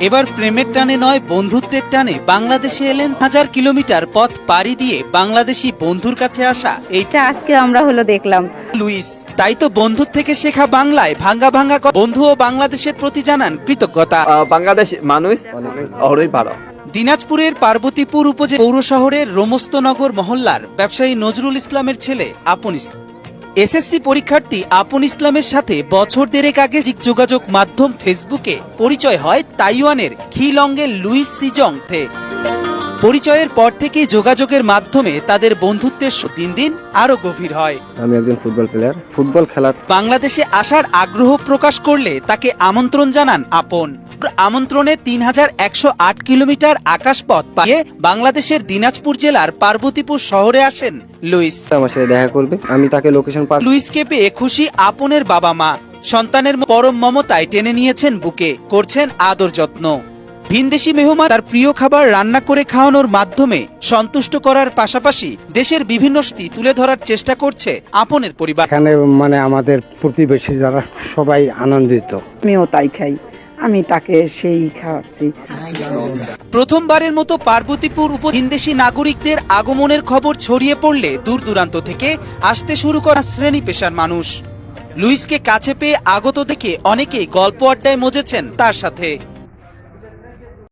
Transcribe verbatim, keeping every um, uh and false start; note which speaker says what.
Speaker 1: এবার প্রেমের টানে নয় বন্ধুত্বের টানে বাংলাদেশে এলেন হাজার কিলোমিটার পথ পাড়ি দিয়ে বাংলাদেশি বন্ধুর কাছে আসা এই
Speaker 2: আজকে আমরা হলো দেখলাম
Speaker 1: লুইস। তাই তো বন্ধুর থেকে শেখা বাংলায় ভাঙ্গা ভাঙ্গা বন্ধু ও বাংলাদেশের প্রতি জানান কৃতজ্ঞতা।
Speaker 3: বাংলাদেশ মানুষ অনেক ভালো।
Speaker 1: দিনাজপুরের পার্বতীপুর উপজেলা পৌর শহরের রোমস্তনগর মহল্লার ব্যবসায়ী নজরুল ইসলামের ছেলে আপন ইসলাম এসএসসি পরীক্ষার্থী আপন ইসলামের সাথে বছর দেড়েক আগে যোগাযোগ মাধ্যম ফেসবুকে পরিচয় হয় তাইওয়ানের খিলংয়ের লুইস সিজং থে। পরিচয়ের পর থেকেই যোগাযোগের মাধ্যমে তাদের বন্ধুত্বের দিন দিন আরো গভীর হয়।
Speaker 4: আমি একজন ফুটবল প্লেয়ার, ফুটবল খেলার
Speaker 1: বাংলাদেশে আসার আগ্রহ প্রকাশ করলে তাকে আমন্ত্রণ জানান আপন। আমন্ত্রণে তিন হাজার একশো আট কিলোমিটার আকাশপথ পাড়িয়ে বাংলাদেশের দিনাজপুর জেলার পার্বতীপুর শহরে আসেন লুইস।
Speaker 4: আমার সাথে দেখা করবে, আমি তাকে লোকেশন পাঠাবো।
Speaker 1: লুইসকে পেয়ে খুশি আপনের বাবা মা। সন্তানের পরম মমতায় টেনে নিয়েছেন বুকে, করছেন আদর যত্ন। ভিনদেশি মেহমান তার প্রিয় খাবার রান্না করে খাওয়ানোর মাধ্যমে সন্তুষ্ট করার পাশাপাশি দেশের বিভিন্ন স্মৃতি তুলে ধরার চেষ্টা করছে আপনের পরিবার।
Speaker 5: এখানে মানে আমাদের প্রতিবেশী যারা সবাই আনন্দিত।
Speaker 6: আমিও তাই খাই, আমি তাকে সেই খাওয়াচ্ছি।
Speaker 1: প্রথমবারের মতো পার্বতীপুর উপ ভিনদেশি নাগরিকদের আগমনের খবর ছড়িয়ে পড়লে দূর দূরান্ত থেকে আসতে শুরু করা শ্রেণী পেশার মানুষ। লুইসকে কাছে পেয়ে আগত দেখে অনেকেই গল্প আড্ডায় মজেছেন তার সাথে।